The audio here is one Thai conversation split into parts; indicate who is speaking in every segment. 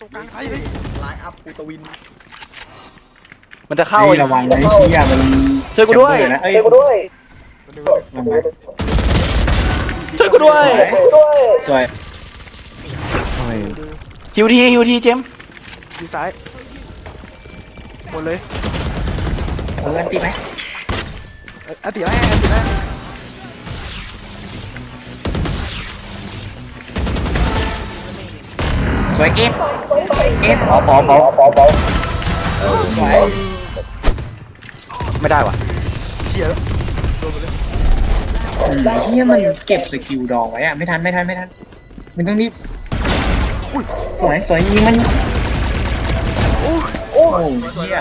Speaker 1: รงกลางไอ้เลยไลน์อัพกูตวิน
Speaker 2: มันจะเข้า
Speaker 3: ระวังนะเฮียมัน
Speaker 2: ช่วยกูด้วย
Speaker 3: นะเอ้ย
Speaker 2: ช่วยกูด้วย
Speaker 3: สวย
Speaker 2: ฮิวทีเจม
Speaker 1: ดีซ้ายหมดเลย
Speaker 3: อันตีไหม
Speaker 1: อันตีแรกอันตีแรก
Speaker 3: สวยเก็บพอสวย
Speaker 2: ไม่ได้ว่ะ
Speaker 1: เชียร์โดนไปเลย
Speaker 3: เฮียมันเก็บสกิลดองไว้อะไม่ทันมันต้องรีบสวยยิงมันโอ้เฮีย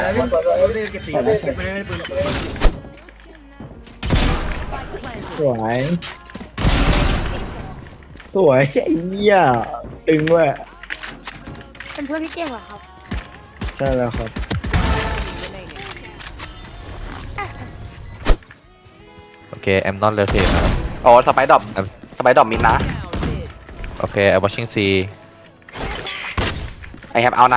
Speaker 4: สวยไอ้เหี้ยตึงเว้ย
Speaker 5: เป็นเพื่อนพี่เก่งเหรอครับ
Speaker 4: ใช่แล้วครับ
Speaker 6: โอเค I'm not rotate นะ
Speaker 2: โอ้สไปดอบมิดนะ
Speaker 6: โอเค I'm watching C
Speaker 2: ไอแฮปเอานะ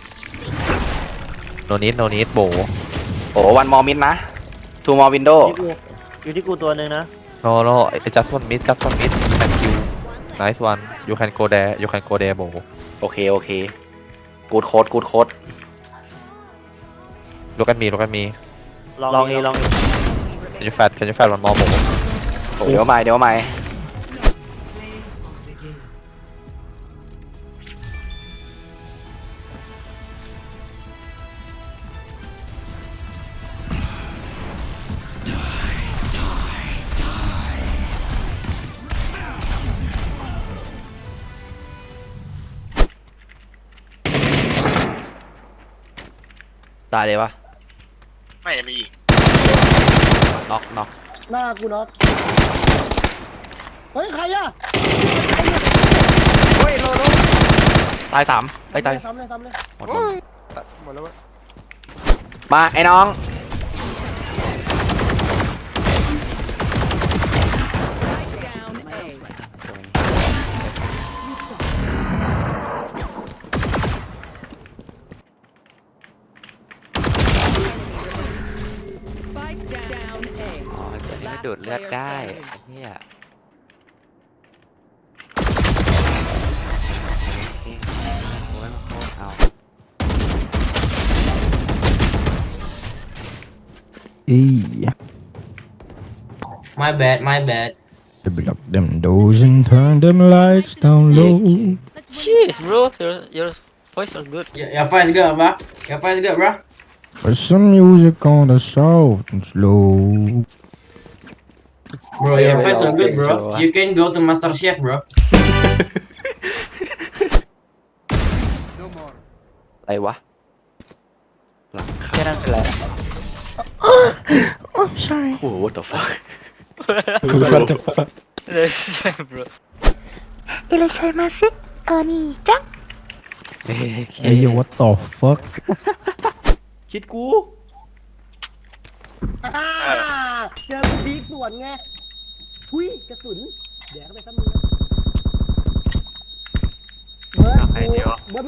Speaker 6: no need โบ
Speaker 2: โอ้วันมอมิดนะทูมอวินโด
Speaker 4: อยู่ที่กูตัวหนึ่งนะ
Speaker 6: no just one mid thank you nice one you can go there โบ
Speaker 2: โอเคกูดโค้ด
Speaker 6: look at me
Speaker 4: ลองอี
Speaker 6: can you fat one more โบ
Speaker 2: โอ้เดี๋ยวใหม่ตายเลยวะ
Speaker 7: ไม่มี
Speaker 6: น็อก
Speaker 8: หน้ากูน็อกเฮ้ย ใครอะ
Speaker 1: เฮ้ยโล
Speaker 2: ตาย3ตาย
Speaker 8: ซ้ำเลย
Speaker 6: หมด
Speaker 1: หมดแล้ววะ
Speaker 2: มาไอ้น้อง
Speaker 6: อ๋อตัวนี้มันดูดเลือดได้เฮียโอ้ยมาโคตรเอา
Speaker 3: my bad
Speaker 9: Block them doors and turn them lights down low.
Speaker 7: Jeez bro your voice is good
Speaker 3: your face good bro
Speaker 9: Put some music on the soft and slow.
Speaker 3: bro your face so good bro you can go to Master Chef bro
Speaker 2: อะไรวะ
Speaker 4: แค่นั้นเป็นไร
Speaker 9: Oh, sorry.
Speaker 2: โอ้โห what the fuck
Speaker 9: What the fuck?
Speaker 7: bro
Speaker 5: いらっしゃいませお兄ちゃん
Speaker 9: Hey, yo, what the fuck?
Speaker 2: คิดกู
Speaker 8: เจอพีคสวนไงทุยกระสุนแดกเข้าไปซ้ำมือเบิร์ดไม่ได้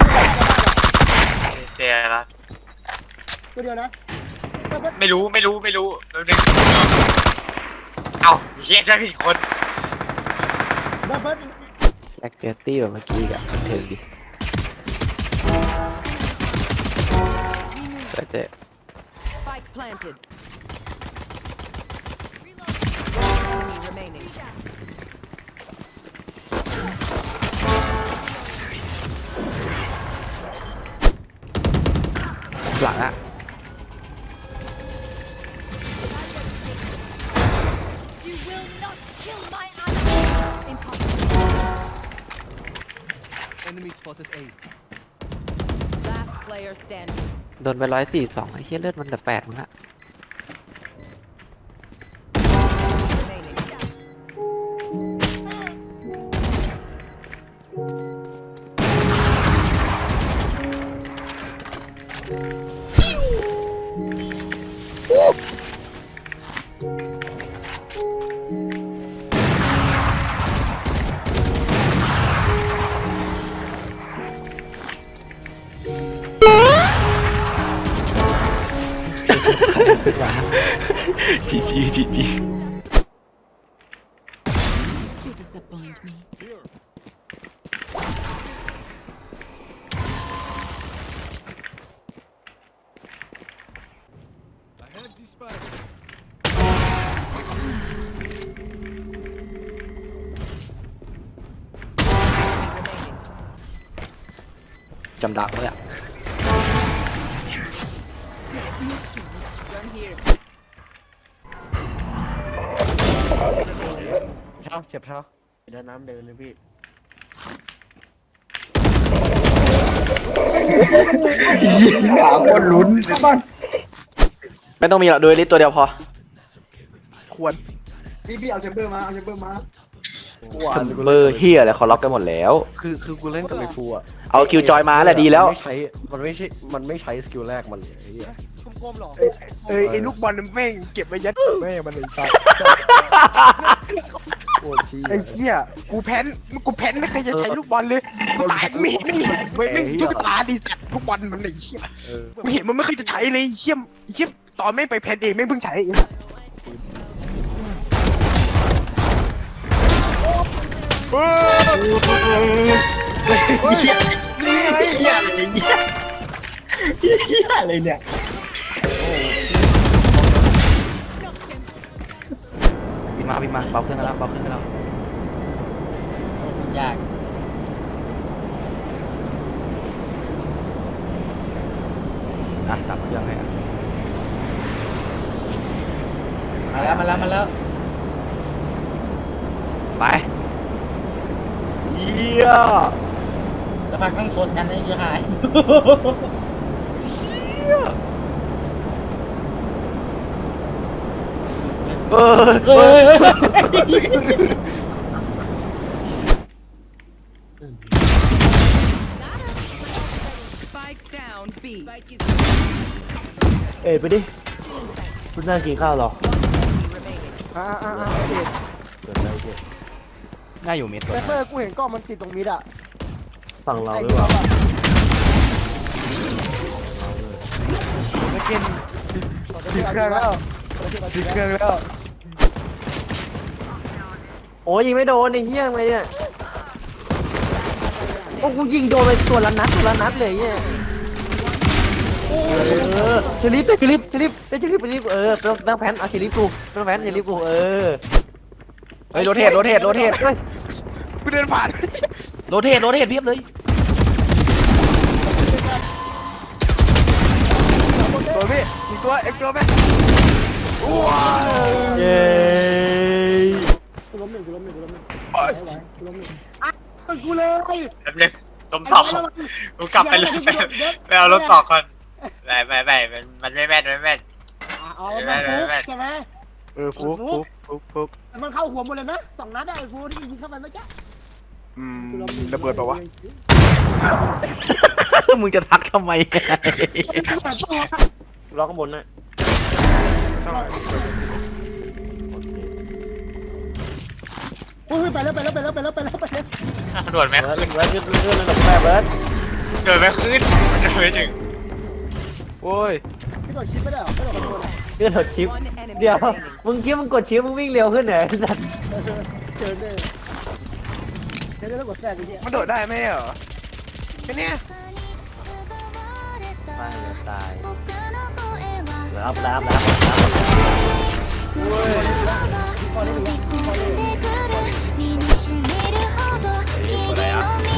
Speaker 7: เสียละ
Speaker 8: ตัวเดียวนะ
Speaker 7: ไม่รู้แป๊บนึงเอ้าเฮียได้ผิดคน
Speaker 8: เบิร์ด
Speaker 6: แอคเซสตี้แบบเมื่อกี้กับบันเทิงดิแต่เจ๊
Speaker 10: Spike planted. Enemy remaining.
Speaker 2: หลังอะ
Speaker 10: You will not kill my ally. Impossible.
Speaker 1: enemy spotted A
Speaker 10: Last player standing.
Speaker 6: โดนไป142ไอ้เหี้ยเลือดมันเหลือ8มึงอะ
Speaker 10: Remaining.
Speaker 2: จีจีจีจี
Speaker 10: You disappoint me.
Speaker 2: จำดักเลยอ่ะ
Speaker 4: เช้าเจ็บเช้าเดินน้ำเดินเลยพี่
Speaker 3: หาคนลุ้นบ้าน
Speaker 2: ไม่ต้องมีหรอกดูลิสตัวเดียวพอ
Speaker 1: ควร
Speaker 8: พี่เอาแชมเบอร์มาเอาแชมเบอร์มา
Speaker 2: เบอร์เฮียอะไรเขาล็อกกันหมดแล้ว
Speaker 1: คือกูเล่นกับไอ้ฟูอ่ะ
Speaker 2: เอาคิวจอยมาแหละดีแล้ว
Speaker 1: มันไม่ใช้สกิลแรกมันเลยไอ้เหี้ย
Speaker 8: กลมๆหรอ
Speaker 1: ไอ้ลูกบอลมันแม่งเก็บไว้ยัดแม่มันเลยสัสไอ้เหี้ยกูแพ้นไม่เคยจะใช้ลูกบอลเลยกูตายไม่ทุกตาดีสัตว์ลูกบอลมันไอ้เหี้ยไม่เห็นมันไม่เคยจะใช้เลยเหี้ยตอนไม่ไปแพ้นเองไม่เพิ่งใช้เองเหี้ยนี่อะไร
Speaker 3: เหี้ยอะไรเนี่ยเหี้ยอะไรเนี่ย
Speaker 2: บินมาเบาขึ้นกันแล้วยากอ่ะตัดเครื่องให้อ่ะมาแล้วไปเยี่ยจะพักนั่งชนกันได้ยังไงเฮ้ย
Speaker 4: เอ้ยไปดิคุณน่ากินข้าวหรอ
Speaker 2: ง่ายอยู่เม็ด
Speaker 8: เซฟเฟอร์กูเห็นกล้องมันติดตรงมิดอ่ะ
Speaker 4: ฝั่งเราหรือเปล่า
Speaker 1: ไม่กินติดเครื่องแล้วติดเครื่องแล้ว
Speaker 4: โอ้ยยิงไม่โดนไอ้เหี้ยทำไมเนี่ยโอ้กูยิงโดนไปตัวละนัดเลยเนี่ยเชลิฟไปตั้งแผนเอาเชลิฟกูตั้งแผนเชลิฟกู
Speaker 2: เฮ้ยโรเทต
Speaker 1: กูเดินผ่าน
Speaker 2: โรเทตเพียบเลย
Speaker 1: ตัวพี่อีกตัวไหมว้าว
Speaker 4: เย้
Speaker 8: กูล้มหนึ่ง
Speaker 1: โอ้ย
Speaker 8: กูล้มหนึ่งกูเลย
Speaker 7: แป๊บนึงลมสอกกูกลับไปเลยไปเอารถสอกก่อนไม่มันไม่แม่น
Speaker 8: เอามันฟุกใช่ไหม
Speaker 1: ฟุก
Speaker 8: มันเข้าหัวหมดเลยนะ2 นัดไอ้ฟูที่ยิงเข้าไปเมื่อกี้
Speaker 1: ระเบิดเปล่าวะ
Speaker 2: มึงจะทักทำไม
Speaker 4: รอข้างบนนะ
Speaker 8: โอ้ยไปแล้ว
Speaker 7: โดดไม่ขึ้น
Speaker 4: เบิร์ดขึ้นระดับแม่เบิร์ด
Speaker 7: โดดไม่ขึ้นโดดไม่ถึง
Speaker 1: โอ้ย
Speaker 8: พี่โดดชิปไม่ได้หรอไม่โดดคอนโทรล
Speaker 4: เลื่อนถดชิปเดี๋ยวมึงคิดมึงกดชิปมึงวิ่งเร็วขึ้นเหรอสัตว์
Speaker 8: เจอเนี่ยแล้วกดแทรกไอ้เหี้ย
Speaker 1: มันโดดได้ไหมเหรอแค่เนี้ย
Speaker 4: ตายรับ
Speaker 10: 身に染みるほど君の目